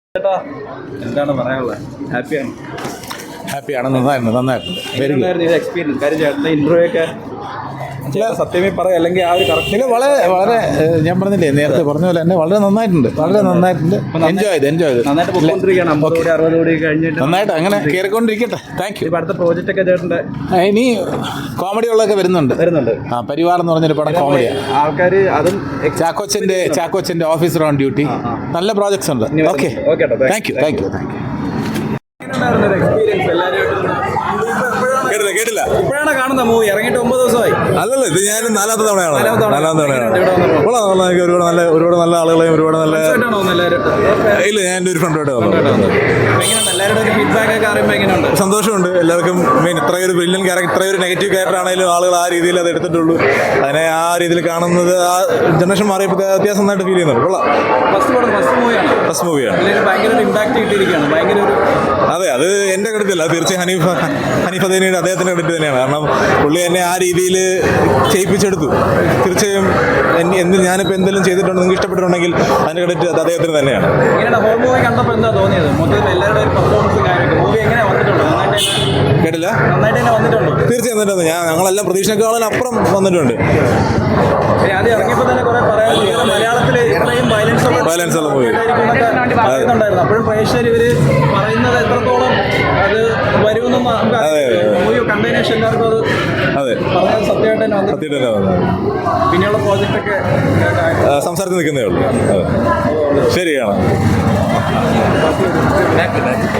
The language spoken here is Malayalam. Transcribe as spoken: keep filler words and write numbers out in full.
ചേട്ടാ എന്താണ് പറയാനുള്ളത്? ഹാപ്പിയാണ്? ഹാപ്പിയാണ്, നന്നായിരുന്നു, നന്നായിട്ടുണ്ട്. Very good experience. കാര്യം ചേട്ടൻ്റെ ഇൻ്റർവ്യൂ ഒക്കെ സത്യമേ പറയാം, അല്ലെങ്കിൽ ആ ഒരു കറക്റ്റ് വളരെ വളരെ ഞാൻ പറഞ്ഞില്ലേ നേരത്തെ പറഞ്ഞ പോലെ തന്നെ വളരെ നന്നായിട്ടുണ്ട്, വളരെ നന്നായിട്ടുണ്ട്. എൻജോയ് ചെയ്ത് എൻജോയ് ചെയ്ത് നന്നായിട്ട് പോയിക്കൊണ്ടിരിക്കുകയാണ്. അമ്പത് കോടി അറുപത് കോടി കഴിഞ്ഞിട്ട് നന്നായിട്ട് അങ്ങനെ കയറിക്കൊണ്ടിരിക്കട്ടെ. Thank you. ഇപ്പം അടുത്ത പ്രോജക്റ്റ് ഒക്കെ ചേട്ടൻ്റെ ഇനി കോമഡികളൊക്കെ വരുന്നുണ്ട് വരുന്നുണ്ട്. ആ പരിവാർ എന്ന് പറഞ്ഞൊരു പടം കോമഡിയാണ്. ആൾക്കാർ അതും ചാക്കോച്ചൻ്റെ ചാക്കോച്ചൻ്റെ ഓഫീസർ ഓൺ ഡ്യൂട്ടി, നല്ല പ്രോജക്ട്സ് ഉണ്ട്. Okay, okay thank you thank you thank you. Experience എല്ലാവരും കേട്ടില്ല കേട്ടില്ല ഇപ്പോഴാണ് കാണുന്ന മൂവി ഇറങ്ങിയിട്ട് ഒമ്പത് ദിവസമായി. അല്ലല്ല, ഇത് ഞാൻ നാലാമത്തെ തവണയാണ് നാലാമത്തെ തവണ. നാലാമത്തെ തവണയാണ്. ഇവിടെ വന്നപ്പോൾ. കൊള്ളാം കൊള്ളാം. എനിക്ക് ഒരുപാട് നല്ല ഒരുപാട് നല്ല ആളുകളെയും ഒരുപാട് നല്ല എല്ലാവരും ഇല്ല ഞാൻ എൻ്റെ ഒരു ഫ്രണ്ടുമായിട്ട് വന്നു. എങ്ങനെയുണ്ട് എല്ലാവരുടെ ഒരു ഫീഡ്ബാക്ക് ഒക്കെ അറിയുമ്പോൾ എങ്ങനെയുണ്ട്? സന്തോഷമുണ്ട്. എല്ലാവർക്കും മെയിൻ ഇത്രയൊരു ബ്രില്യൻ ക്യാരക്ടർ, ഇത്രയൊരു നെഗറ്റീവ് ക്യാരക്ടർ ആണെങ്കിലും ആളുകൾ ആ രീതിയിൽ അത് എടുത്തിട്ടുള്ളൂ. അതിനെ ആ രീതിയിൽ കാണുന്നത് ആ ജനറേഷൻ മാറിയപ്പോൾ വ്യത്യാസം നന്നായിട്ട് ഫീൽ ചെയ്യുന്നുണ്ട്. കൊള്ളാം. ഫസ്റ്റ് പടം ഫസ്റ്റ് മൂവിയാണ് ഫസ്റ്റ് മൂവിയാണ്. ഭയങ്കര ഒരു ഇമ്പാക്ട് കിട്ടിയിരിക്കുകയാണ്. ഭയങ്കര ഒരു അതെ, അത് എൻ്റെ ക്രെഡിറ്റല്ല, തീർച്ചയായും ഹനീഫ് ഹനീഫ് അദേനിയുടെ അദ്ദേഹത്തിൻ്റെ ക്രെഡിറ്റ് തന്നെയാണ്. കാരണം പുള്ളി എന്നെ ആ രീതിയിൽ ചെയ്യിപ്പിച്ചെടുത്തു. തീർച്ചയായും എന്ത് ഞാനിപ്പോൾ എന്തെങ്കിലും ചെയ്തിട്ടുണ്ട് നിങ്ങൾക്ക് ഇഷ്ടപ്പെട്ടിട്ടുണ്ടെങ്കിൽ അതിൻ്റെ ക്രെഡിറ്റ് അത് അദ്ദേഹത്തിന് തന്നെയാണ്. ഇങ്ങനെ ഹോൾ മൂവി കണ്ടപ്പോൾ എന്താ തോന്നിയത്? മൊത്തത്തിൽ എല്ലാവരുടെ ഒരു പെർഫോമൻസ് കാര്യമൊക്കെ മൂവി എങ്ങനെ വന്നിട്ടുണ്ടോ? നന്നായിട്ട് കേട്ടില്ല. നന്നായിട്ട് തന്നെ വന്നിട്ടുണ്ടോ? തീർച്ചയായും വന്നിട്ടുണ്ട്. ഞാൻ ഞങ്ങളെല്ലാം പ്രതീക്ഷയെക്കാളും അപ്പുറം വന്നിട്ടുണ്ട്. ആദ്യം ഇറങ്ങിയപ്പോൾ തന്നെ കുറെ പറയാൻ മലയാളത്തിൽ ഇത്രയും വയലൻസ് വയലൻസ് ഉള്ള മൂവി പറയുന്നുണ്ടായിരുന്നു. അപ്പോഴും പ്രേക്ഷകർ ഇവർ പറയുന്നത് എത്രത്തോളം അത് വരുമെന്നും മൂവി കണ്ടതിന് ശേഷം എല്ലാവർക്കും അത് അതെ പറഞ്ഞത് സത്യമായിട്ട് തന്നെ വന്നു. സത്യമായിട്ട് തന്നെ വന്നത്. പിന്നെയുള്ള പ്രോജക്റ്റൊക്കെ സംസാരത്തിൽ നിൽക്കുന്നേ ഉള്ളൂ. അതെ ശരിയാണ്.